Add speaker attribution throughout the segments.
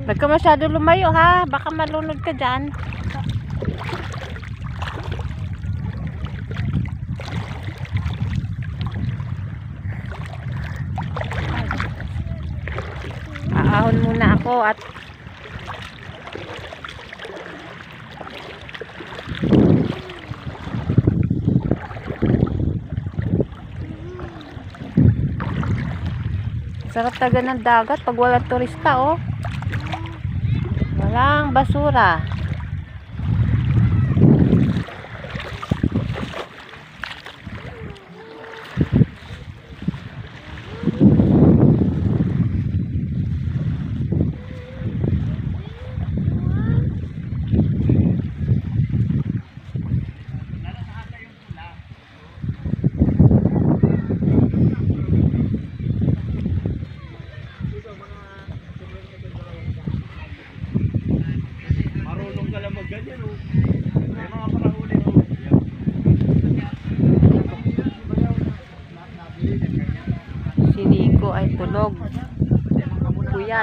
Speaker 1: Huwag ka masyado lumayo ha, baka malunod ka dyan. Aahon muna ako at sarap taga ng dagat pag walang turista, oh. Walang basura.
Speaker 2: Ganyan oh. May mga parahuli oh.
Speaker 1: Si Nico ay tulog. Puyat.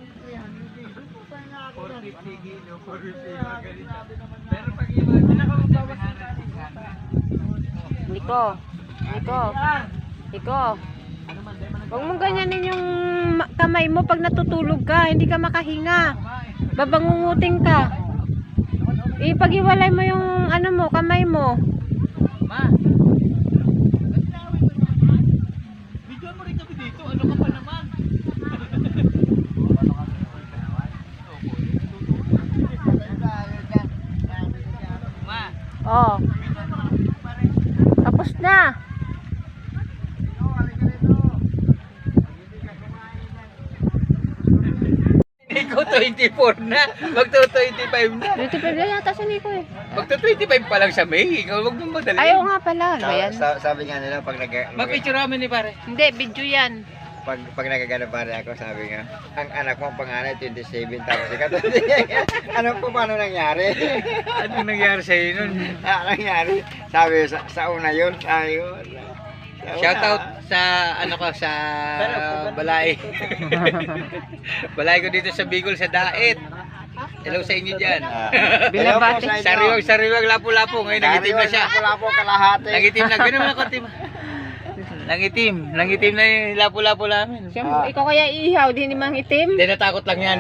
Speaker 1: Nico. Nico. Nico. Huwag mong ganyanin yung kamay mo pag natutulog ka. Hindi ka makahinga. Babangunguting ka. Ipag-iwalay mo yung ano mo, kamay mo.
Speaker 2: Ma. Video mo rin kami dito. Ano ka pa naman? Ma.
Speaker 1: Oh. Tapos na.
Speaker 2: Nico 24 na. Magto-25 na.
Speaker 1: 25 na yata si Nico eh.
Speaker 2: Magto-25 pa lang siya, May. Ikaw wag mong madali.
Speaker 1: Ayaw nga pala. Ano ba yan?
Speaker 3: Sabi nga nila pag
Speaker 2: Ma-picture namin ni pare.
Speaker 1: Hindi, video yan.
Speaker 3: pag nagagano pare ako, sabi nga, ang anak mo panganay 27 tapos ikaw ano po paano nangyari?
Speaker 2: Anong nangyari sa iyo nun?
Speaker 3: Nangyari? Sabi sa una yun, sabi ko.
Speaker 2: Shout out sa ano ko sa balay. Balay ko dito sa Bicol sa Daet. Hello sa inyo diyan.
Speaker 1: Binabati.
Speaker 2: Sariwag lapu-lapu ngayon nangitim na siya.
Speaker 3: Lapu-lapu kalahati.
Speaker 2: Nangitim na ganoon na konti. Nangitim na yung lapu-lapu namin.
Speaker 1: Siyempre, ikaw kaya ihaw, di ni mang itim?
Speaker 2: Hindi natakot lang yan.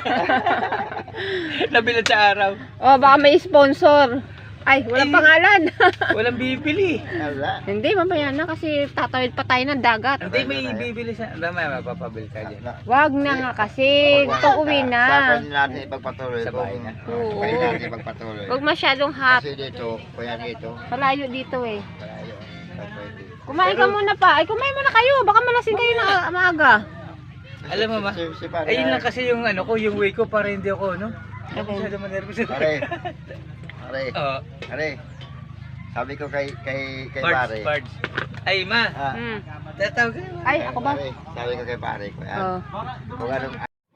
Speaker 2: Nabilad sa araw.
Speaker 1: Oh, baka may sponsor. Ay, walang pangalan.
Speaker 2: Walang bibili.
Speaker 1: Hindi, mamaya na kasi tatawid pa tayo ng dagat.
Speaker 2: Hindi may bibili sa... Mamaya mapapabili ka dyan.
Speaker 1: Wag na nga kasi. Gusto uwi na.
Speaker 3: Sabi natin ipagpatuloy.
Speaker 2: Sa bahay na.
Speaker 1: Oo.
Speaker 3: Pwede natin ipagpatuloy.
Speaker 1: Wag masyadong hot.
Speaker 3: Kasi dito, kuya dito.
Speaker 1: Malayo dito eh.
Speaker 3: Malayo. Pwede.
Speaker 1: Kumain ka muna pa. Ay, kumain muna kayo. Baka malasing kayo na maaga.
Speaker 2: Alam mo ma, ayun lang kasi yung ano ko, yung way ko para hindi ako, no?
Speaker 1: Okay.
Speaker 2: Masyado manervous.
Speaker 3: Pare.
Speaker 2: Oo.
Speaker 3: Pare. Sabi ko kay
Speaker 2: Pards,
Speaker 3: pare.
Speaker 2: Pards. Ay ma,
Speaker 1: Hmm.
Speaker 2: tatawag ka naman.
Speaker 1: Ay, ako ba?
Speaker 3: Pare, sabi ko kay pare ko.
Speaker 1: Oh.
Speaker 3: Kung anong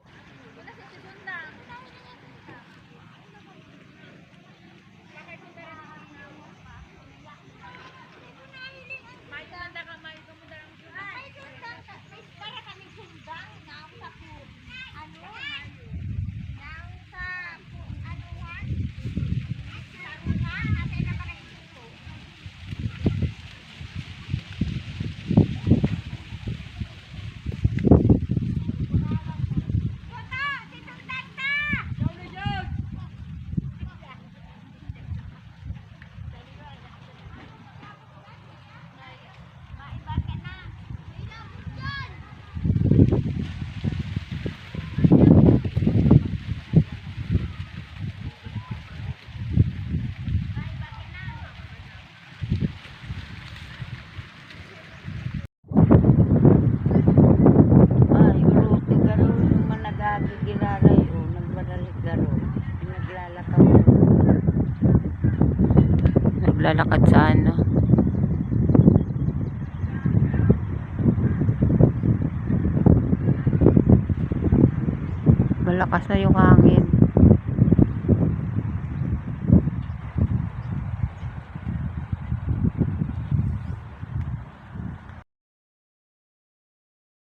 Speaker 1: Naglalakad sa ano. Malakas na yung hangin.